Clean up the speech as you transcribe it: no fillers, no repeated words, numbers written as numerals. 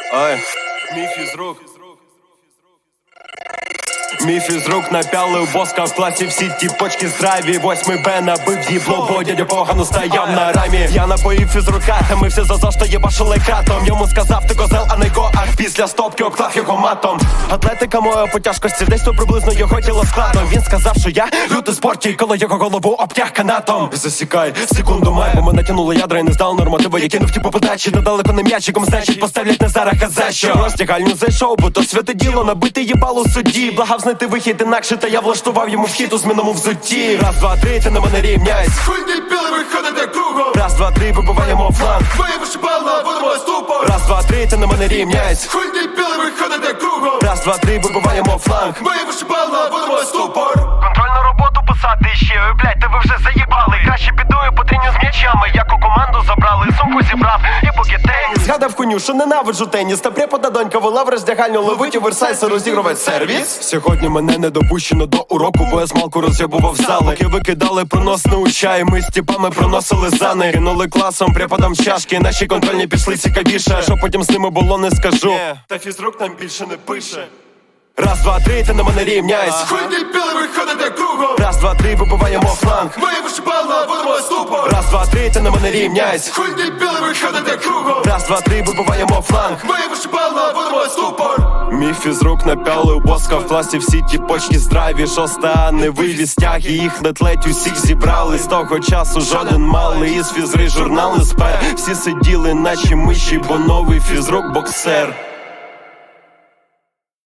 Ай, мій фізрук. Мій фізрук напялив воска в класі, всі ті почки здраві. 8 Б набив їбло, бо дядя погано стояв на рамі. Я напоїв фізрука, та ми всі за що єбашили кратом. Йому сказав, ти козел, а не го, ах, після стопки обклав його матом. Атлетика моя по тяжкості, десь то приблизно його тіло складом. Він сказав, що я лютий спортій, коли його голову обтяг канатом. Засікай, секунду май, бо мене тянуло ядра і не здав нормативи. Я кинув ті по подачі, недалеко не м'ячиком, значить поставлять не зараз, а за що. Роздягальню зайшов, бо то святе діло, набити їбало судді. Благав знайти вихід інакше, та я влаштував йому вхід у змінному взутті. Раз, два, три, ти на мене рівняйсь. Хуй ти білий, виходите кругом. Раз, два, три, вибиваємо фланг. Твої вишибала, будемо ступор. Раз, два, три, ти на мене рівняйсь. Хуй ти білий, виходите кругом. Раз, два, три, вибиваємо фланг. Твої вишибала, будемо ступор. Контрольну роботу писати ще, ой, блядь, тебе вже заїбали. Краще підою по треню з м'ячами, як у команду забрали, сумку зібрав і поки теніс. Згадав коню, що ненавиджу теніс. Та препода донька вела в роздягальню, ловить оверсайз, розігрувати сервіс. Сьогодні мене не допущено до уроку, бо я смалку роз'єбував зали. Поки викидали проносну чай, ми з тіпами проносили зани. Кинули класом, преподам чашки, наші контрольні пішли цікавіше. Що потім з ними було, не скажу. Та фізрук нам більше не пише. Раз, два, три, ти на мене рівняйсь. Хуй ти білий, виходите кругом. Раз, два, три, вибиваємо фланг. Твої вишибала, будемо ступор. Раз, два, три, ти на мене рівняйсь. Хуй ти білий, виходите кругом. Раз, два, три, вибиваємо фланг. Твої вишибала, будемо ступор. Мій фізрук напялив боска в класі, всі ті почки здраві. Шоста, а не вивіз тяг, і їх на тлеть усіх зібрали. З того часу жоден малий із фізри журнали спер. Всі сиділи наче миші, бо новий фізрук боксер.